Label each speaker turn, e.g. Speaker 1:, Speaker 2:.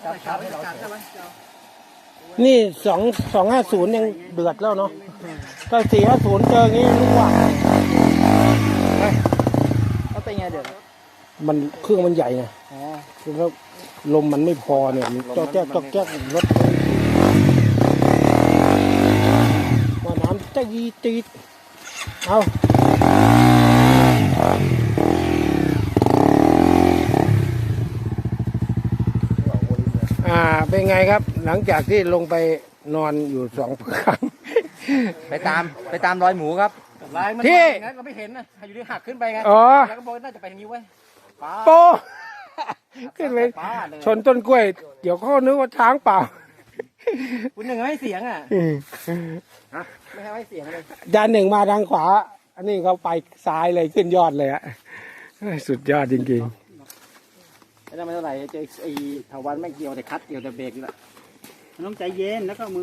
Speaker 1: จับให้เราใช่ไหม
Speaker 2: นี่250ยังเดือดแล้วเนาะถ้า450เจออย่างงี้รู้ว่า
Speaker 1: เขาเป็นไงเดี๋ยว
Speaker 2: มันเครื่องมันใหญ่ไง
Speaker 1: อ๋อ
Speaker 2: แล้วลมมันไม่พอเนี่ยมันจอกแจ๊กรถว่าน้ำจะยีตีดเอาเป็นไงครับหลังจากที่ลงไปนอนอยู่2 ครั้ง
Speaker 1: ไปตามรอยหมูครับ
Speaker 2: ที่
Speaker 1: เราไม่เห็นนะอยู่ที่หักขึ้นไปไง
Speaker 2: อ๋อ
Speaker 1: แล้วก็บอกน่าจะไปทางนี้เว้ย
Speaker 2: โปขึ้นไปชนต้นกล้วย เดี๋ยวเขานึกว่าช้างเปล่า
Speaker 1: คุณหนึ่งให้เสียงอ่ะไม่ให้เสียงเลย
Speaker 2: จานหนึ่งมาทางขวา อันนี้เขาไปซ้ายเลยขึ้นยอดเลยอะสุดยอดจริงๆ
Speaker 1: ไม่ได้ไม่เท่าไหร่เจอไอ้ถาวันไม่เกี่ยวแต่คัดเกี่ยวแต่เบรกนี่แหละ
Speaker 3: มันต้องใจเย็นแล้วก็มือ